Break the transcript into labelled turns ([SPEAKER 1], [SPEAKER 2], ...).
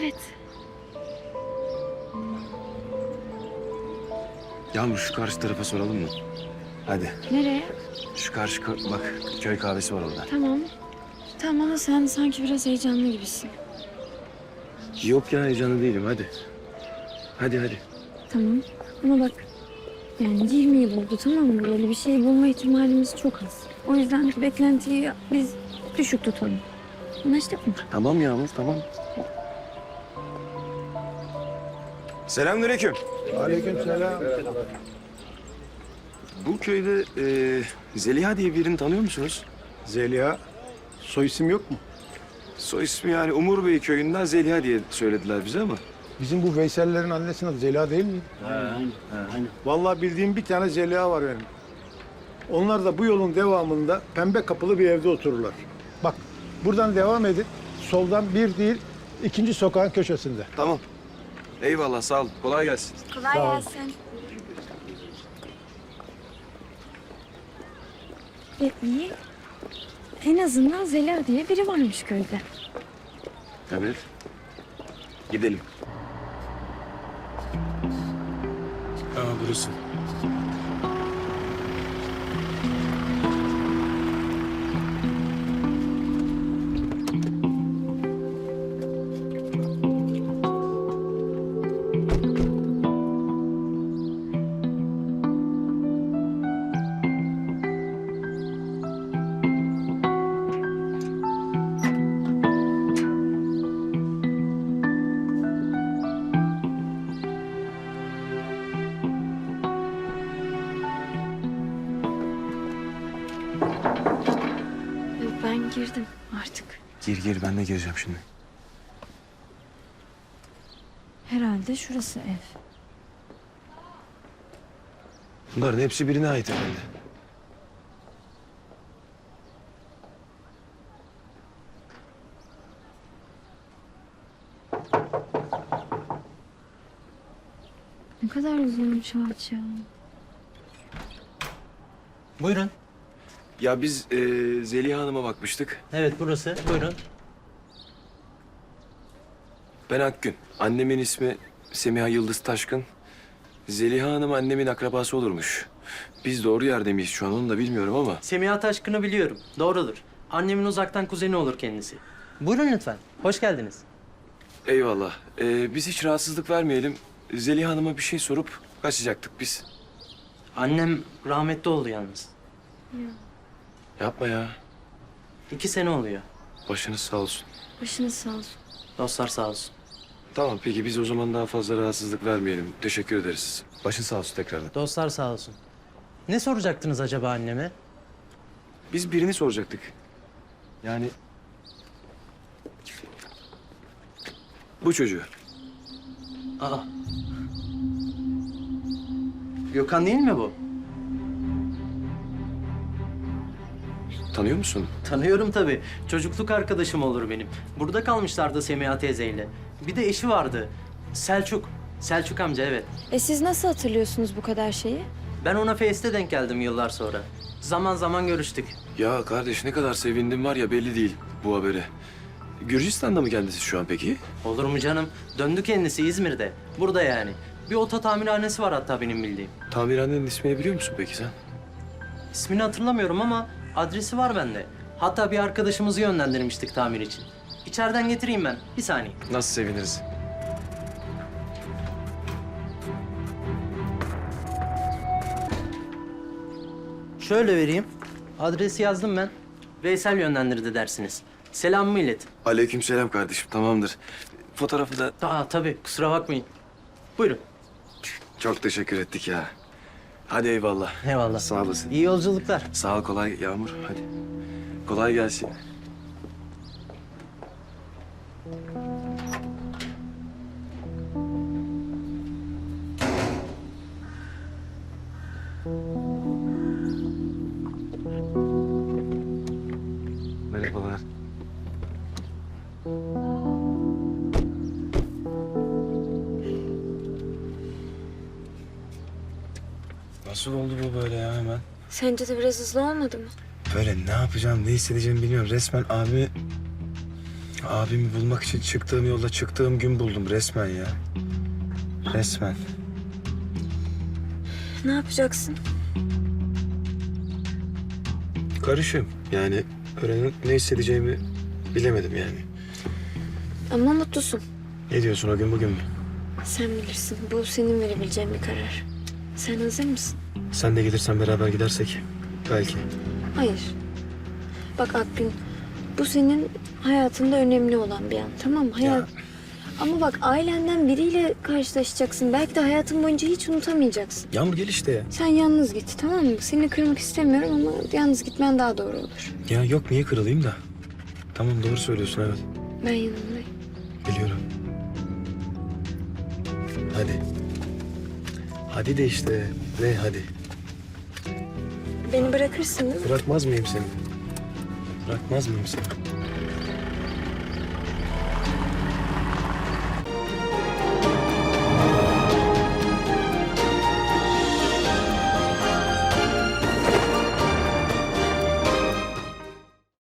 [SPEAKER 1] Evet.
[SPEAKER 2] Yağmur şu karşı tarafa soralım mı? Hadi.
[SPEAKER 1] Nereye?
[SPEAKER 2] Şu karşı bak köy kahvesi var orada.
[SPEAKER 1] Tamam. Tamam ama sen sanki biraz heyecanlı gibisin.
[SPEAKER 2] Yok ya heyecanlı değilim hadi. Hadi.
[SPEAKER 1] Tamam. Ama bak yani 20 yıl oldu, tamam mı? Böyle bir şey bulma ihtimalimiz çok az. O yüzden beklentiyi biz düşük tutalım. Anlaştık mı?
[SPEAKER 2] Tamam Yağmur tamam. Selamünaleyküm.
[SPEAKER 3] Aleykümselam.
[SPEAKER 2] Bu köyde Zeliha diye birini tanıyor musunuz?
[SPEAKER 3] Zeliha, soy isim yok mu?
[SPEAKER 2] Soy ismi yani Umur Bey köyünden Zeliha diye söylediler bize ama.
[SPEAKER 3] Bizim bu Veysel'lerin annesinin adı Zeliha değil mi?
[SPEAKER 4] Aynen.
[SPEAKER 3] Vallahi bildiğim bir tane Zeliha var benim. Onlar da bu yolun devamında pembe kapılı bir evde otururlar. Bak, buradan devam edin. Soldan bir değil, ikinci sokağın köşesinde.
[SPEAKER 2] Tamam. Eyvallah sağ olun. Kolay gelsin.
[SPEAKER 1] Kolay
[SPEAKER 3] Sağ ol.
[SPEAKER 1] gelsin. İyi. En azından Zeliha diye biri varmış köyde.
[SPEAKER 2] Evet. Gidelim. Burası.
[SPEAKER 1] Ben girdim artık.
[SPEAKER 2] Gir ben de gireceğim şimdi.
[SPEAKER 1] Herhalde şurası ev.
[SPEAKER 2] Bunların hepsi birine ait herhalde.
[SPEAKER 1] Ne kadar uzunmuş ağaç ya.
[SPEAKER 4] Buyurun.
[SPEAKER 2] Ya biz Zeliha Hanım'a bakmıştık.
[SPEAKER 4] Evet burası. Buyurun.
[SPEAKER 2] Ben Akgün. Annemin ismi Semiha Yıldız Taşkın. Zeliha Hanım annemin akrabası olurmuş. Biz doğru yerde miyiz şu an onu da bilmiyorum ama.
[SPEAKER 4] Semiha Taşkın'ı biliyorum. Doğrudur. Annemin uzaktan kuzeni olur kendisi. Buyurun lütfen. Hoş geldiniz.
[SPEAKER 2] Eyvallah. Biz hiç rahatsızlık vermeyelim. Zeliha Hanım'a bir şey sorup kaçacaktık biz.
[SPEAKER 4] Annem rahmetli oldu yalnız.
[SPEAKER 2] Yapma ya.
[SPEAKER 4] 2 sene oluyor.
[SPEAKER 2] Başınız sağ olsun.
[SPEAKER 1] Başınız sağ olsun.
[SPEAKER 4] Dostlar sağ olsun.
[SPEAKER 2] Tamam peki biz o zaman daha fazla rahatsızlık vermeyelim. Teşekkür ederiz. Başın sağ olsun tekrardan.
[SPEAKER 4] Dostlar sağ olsun. Ne soracaktınız acaba anneme?
[SPEAKER 2] Biz birini soracaktık. Yani... Bu çocuğu.
[SPEAKER 4] Aa. Gökhan değil mi bu?
[SPEAKER 2] Tanıyor musun?
[SPEAKER 4] Tanıyorum tabii. Çocukluk arkadaşım olur benim. Burada kalmışlardı Semiha teyzeyle. Bir de eşi vardı. Selçuk. Selçuk amca evet.
[SPEAKER 1] Siz nasıl hatırlıyorsunuz bu kadar şeyi?
[SPEAKER 4] Ben ona Face'te denk geldim yıllar sonra. Zaman zaman görüştük.
[SPEAKER 2] Ya kardeş ne kadar sevindim var ya belli değil bu habere. Gürcistan'da mı kendisi şu an peki?
[SPEAKER 4] Olur mu canım? Döndü kendisi İzmir'de. Burada yani. Bir oto tamirhanesi var hatta benim bildiğim.
[SPEAKER 2] Tamirhanenin ismini biliyor musun peki sen?
[SPEAKER 4] İsmini hatırlamıyorum ama adresi var bende. Hatta bir arkadaşımızı yönlendirmiştik tamir için. İçeriden getireyim ben. Bir saniye.
[SPEAKER 2] Nasıl seviniriz?
[SPEAKER 4] Şöyle vereyim. Adresi yazdım ben. Veysel yönlendirdi dersiniz. Selamımı ilet.
[SPEAKER 2] Aleykümselam kardeşim tamamdır. Fotoğrafı da
[SPEAKER 4] Tabii kusura bakmayın. Buyurun.
[SPEAKER 2] çok teşekkür ettik ya. Hadi eyvallah.
[SPEAKER 4] Eyvallah.
[SPEAKER 2] Sağ olasın.
[SPEAKER 4] İyi yolculuklar.
[SPEAKER 2] Sağ ol kolay Yağmur hadi. Kolay gelsin. Merhabalar. Nasıl oldu bu böyle ya hemen?
[SPEAKER 1] Sence de biraz hızlı olmadı mı?
[SPEAKER 2] Böyle ne yapacağım, ne hissedeceğimi bilmiyorum. Resmen abi Abimi bulmak için çıktığım yolda çıktığım gün buldum resmen ya. Resmen.
[SPEAKER 1] Ne yapacaksın?
[SPEAKER 2] Karışım. Yani öğrenip ne hissedeceğimi bilemedim yani.
[SPEAKER 1] Ama mutlusun.
[SPEAKER 2] Ne diyorsun o gün bugün mü?
[SPEAKER 1] Sen bilirsin. Bu senin verebileceğin bir karar. Sen hazır mısın?
[SPEAKER 2] Sen de gelirsen beraber gidersek belki.
[SPEAKER 1] Hayır. Bak Akgün, bu senin hayatında önemli olan bir an. Tamam mı?
[SPEAKER 2] Ya.
[SPEAKER 1] Ama bak ailenden biriyle karşılaşacaksın. Belki de hayatın boyunca hiç unutamayacaksın.
[SPEAKER 2] Yağmur gel işte ya.
[SPEAKER 1] Sen yalnız git, tamam mı? Seni kırmak istemiyorum ama yalnız gitmen daha doğru olur.
[SPEAKER 2] Ya yok niye kırılayım da. Tamam doğru söylüyorsun evet.
[SPEAKER 1] Ben yanındayım.
[SPEAKER 2] Biliyorum. Hadi. Hadi de işte. Ne hadi.
[SPEAKER 1] Beni bırakırsın değil mi?
[SPEAKER 2] Bırakmaz mıyım seni? Bırakmaz mıyım seni?